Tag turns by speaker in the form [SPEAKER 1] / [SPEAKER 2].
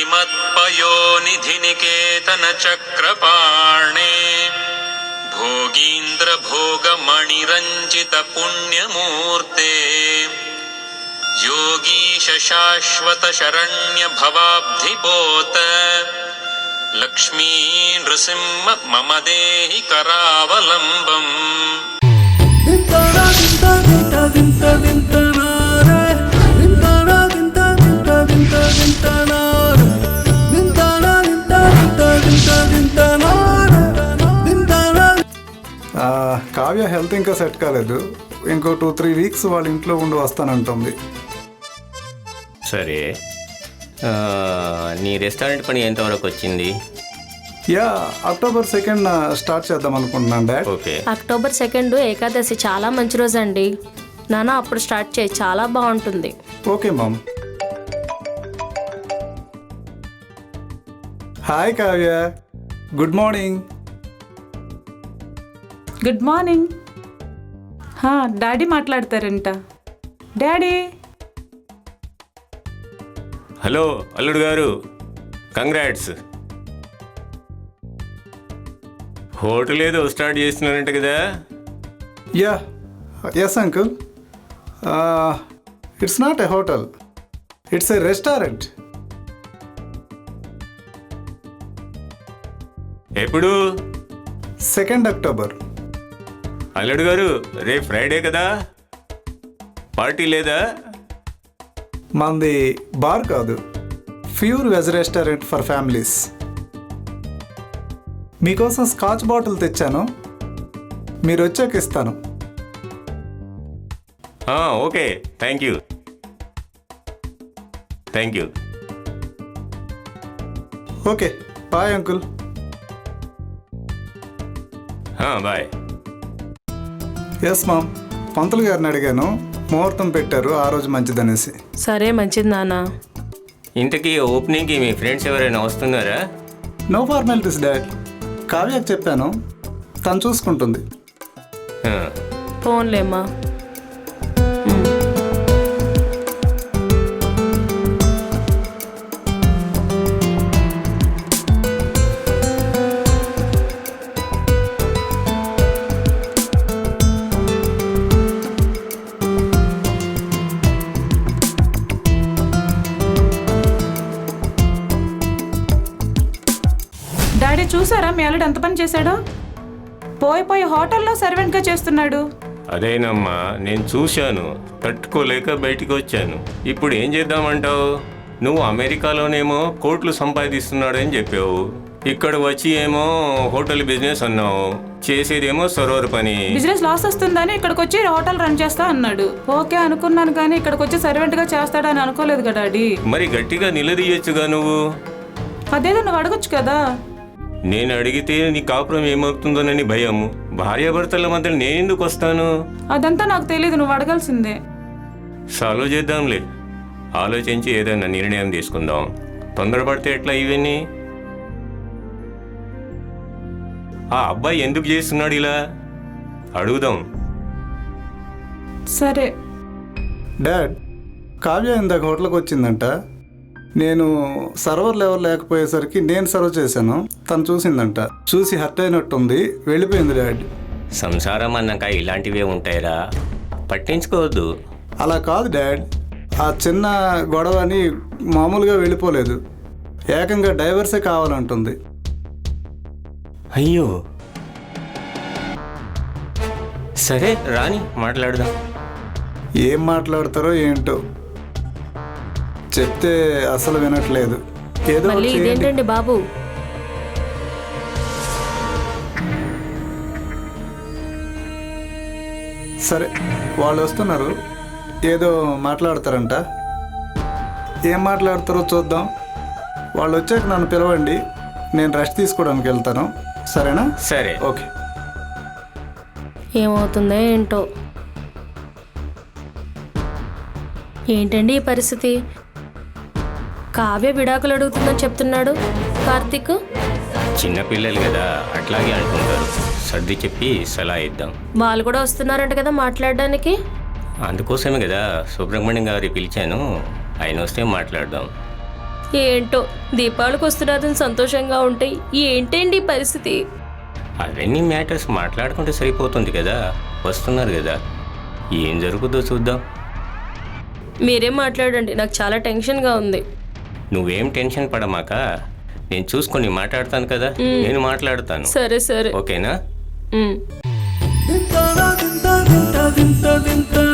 [SPEAKER 1] श्रीमत्पयोनिधिनिकेतन चक्रपाणे भोगीन्द्र भोगमणिरञ्जित पुण्यमूर्ते योगीश शाश्वत शरण्य भवाब्धिपोत लक्ष्मी नृसिंह मम देहि करावलम्बम्।
[SPEAKER 2] కావ్య హెల్త్ ఇంకా సెట్ కాలేదు. ఇంకో 2-3 వీక్స్ వాళ్ళ ఇంట్లో ఉండి వస్తానంటుంది.
[SPEAKER 3] సరే, నీ రెస్టారెంట్ పని ఎంతవరకు వచ్చింది?
[SPEAKER 2] యా, October 2nd స్టార్ట్ చేద్దాం అనుకుంటున్నాను డాడ్.
[SPEAKER 3] ఓకే.
[SPEAKER 4] October 2 ఏకాదశి చాలా మంచి రోజు అండి. నాన్న అప్పుడు స్టార్ట్ చేయి, చాలా బాగుంటుంది.
[SPEAKER 2] Okay ma'am. Hi Kavya, good morning.
[SPEAKER 5] Good morning. Daddy మాట్లాడతారంట. డాడీ.
[SPEAKER 3] హలో అల్లుడు గారు, కంగ్రాట్స్. హోటల్ ఏదో స్టార్ట్ చేస్తున్నారంట కదా?
[SPEAKER 2] Yeah, yes uncle. It's not a hotel, it's a restaurant.
[SPEAKER 3] ఎప్పుడు?
[SPEAKER 2] 2nd October.
[SPEAKER 3] అల్లుడు గారు, రేపు ఫ్రైడే కదా, పార్టీ లేదా?
[SPEAKER 2] మంది బార్ కాదు, pure veg restaurant for families. మీకోసం స్కాచ్ బాటిల్ తెచ్చాను, మీరు వచ్చాక ఇస్తాను.
[SPEAKER 3] Okay, thank you. Thank you.
[SPEAKER 2] Okay, bye uncle.
[SPEAKER 3] Bye.
[SPEAKER 2] Yes ma'am, పంతులు గారిని అడిగాను, ముహూర్తం పెట్టారు, ఆ రోజు మంచిదనేసి.
[SPEAKER 4] సరే, మంచిది నాన్న.
[SPEAKER 3] ఇంతకీ ఓపెనింగ్కి మీ ఫ్రెండ్స్ ఎవరైనా వస్తున్నారా?
[SPEAKER 2] No formalities dad. కావ్యకు చెప్పాను, తను చూసుకుంటుంది.
[SPEAKER 4] ఫోన్లేమ్మా.
[SPEAKER 5] డాడీ చూసారా మీ అల్లుడు ఎంత పని చేశాడో? పోయి హోటల్లో సర్వెంట్గా చేస్తున్నాడు.
[SPEAKER 3] అదేనమ్మా, నేను చూశాను, తట్టుకోలేక బయటికి వచ్చాను. ఇప్పుడు ఏం చేద్దామంటావు? నువ్వు అమెరికాలోనేమో కోట్లు సంపాదిస్తున్నాడని చెప్పావు, ఇక్కడ వచ్చి ఏమో హోటల్ బిజినెస్ అన్నావు, చేసేదేమో సర్వర్ పని.
[SPEAKER 5] బిజినెస్ లాస్ వస్తుందని ఇక్కడికి వచ్చి హోటల్ రన్ చేస్తా అన్నాడు. ఓకే అనుకున్నాను, కానీ ఇక్కడికి వచ్చి సర్వెంట్గా చేస్తాడని అనుకోలేదు కదా డాడీ.
[SPEAKER 3] మరి గట్టిగా నిలదీయచ్చుగా నువ్వు.
[SPEAKER 5] అదేదో నువ్వు అడగొచ్చు కదా.
[SPEAKER 3] నేను అడిగితే నీ కాపురం ఏమవుతుందోనని భయము. భార్యాభర్తల మధ్య నేనెందుకు వస్తాను?
[SPEAKER 5] అదంతా నాకు తెలియదు, నువ్వు అడగాల్సిందే.
[SPEAKER 3] సాల్వ్ చేద్దాంలే, ఆలోచించి ఏదైనా నిర్ణయం తీసుకుందాం. తొందరపడితే ఎట్లా ఇవన్నీ? ఆ అబ్బాయి ఎందుకు చేస్తున్నాడు ఇలా? అడుగుదాం.
[SPEAKER 5] సరే
[SPEAKER 2] డాడ్, కావ్య ఇందాక హోటల్కి వచ్చిందంట. నేను సర్వర్ లెవెల్ లేకపోయేసరికి నేను సర్వ్ చేశాను, తను చూసిందంట. చూసి హర్ట్ అయినట్టుంది, వెళ్ళిపోయింది డాడ్.
[SPEAKER 3] సంసారం అన్నాక ఇలాంటివే ఉంటాయిరా, పట్టించుకోవద్దు.
[SPEAKER 2] అలా కాదు డాడ్, ఆ చిన్న గొడవని మామూలుగా వెళ్ళిపోలేదు, ఏకంగా డైవర్సే కావాలంటుంది.
[SPEAKER 3] అయ్యో, సరే రాని మాట్లాడదాం.
[SPEAKER 2] ఏం మాట్లాడతారో ఏంటో, చెప్తే అసలు వినట్లేదు. ఏదో
[SPEAKER 4] మళ్ళీ
[SPEAKER 2] ఒకటి చేయండి.
[SPEAKER 4] ఇదేంటండి బాబు?
[SPEAKER 2] సరే, వాళ్ళు వస్తున్నారు, ఏదో మాట్లాడతారంట. ఏం మాట్లాడతారో చూద్దాం. వాళ్ళు వచ్చాక నన్ను పిలవండి, నేను రెస్ట్ తీసుకోవడానికి వెళ్తాను. సరేనా?
[SPEAKER 3] సరే.
[SPEAKER 2] ఓకే.
[SPEAKER 4] ఏమవుతుందో ఏంటో. ఏంటండి ఈ పరిస్థితి? కావ్య విడాకులు అడుగుతుందని చెప్తున్నాడు కార్తీక్.
[SPEAKER 3] చిన్నపిల్లలు కదా, అట్లాగే అనుకుంటారు. సర్ది చెప్పి సలహా ఇద్దాం.
[SPEAKER 4] వాళ్ళు కూడా వస్తున్నారంట కదా మాట్లాడడానికి.
[SPEAKER 3] అందుకోసమే కదా సుబ్రహ్మణ్యం గారి పిలిచాను, ఆయన వస్తే మాట్లాడదాం.
[SPEAKER 4] ఏంటో దీపావళికి వస్తున్నారని సంతోషంగా ఉంటాయి, ఏంటండి ఈ పరిస్థితి?
[SPEAKER 3] అవన్నీ మ్యాటర్స్ మాట్లాడుకుంటే సరిపోతుంది కదా. వస్తున్నారు కదా, ఏం జరుగుతుందో చూద్దాం.
[SPEAKER 4] మీరేం మాట్లాడండి, నాకు చాలా టెన్షన్గా ఉంది.
[SPEAKER 3] నువ్వేం టెన్షన్ పడమాక, నేను చూసుకొని మాట్లాడతాను కదా. నేను మాట్లాడతాను,
[SPEAKER 4] సరే సరే.
[SPEAKER 3] ఓకేనా?
[SPEAKER 4] ఉమ్.
[SPEAKER 2] వింత వింత వింత వింత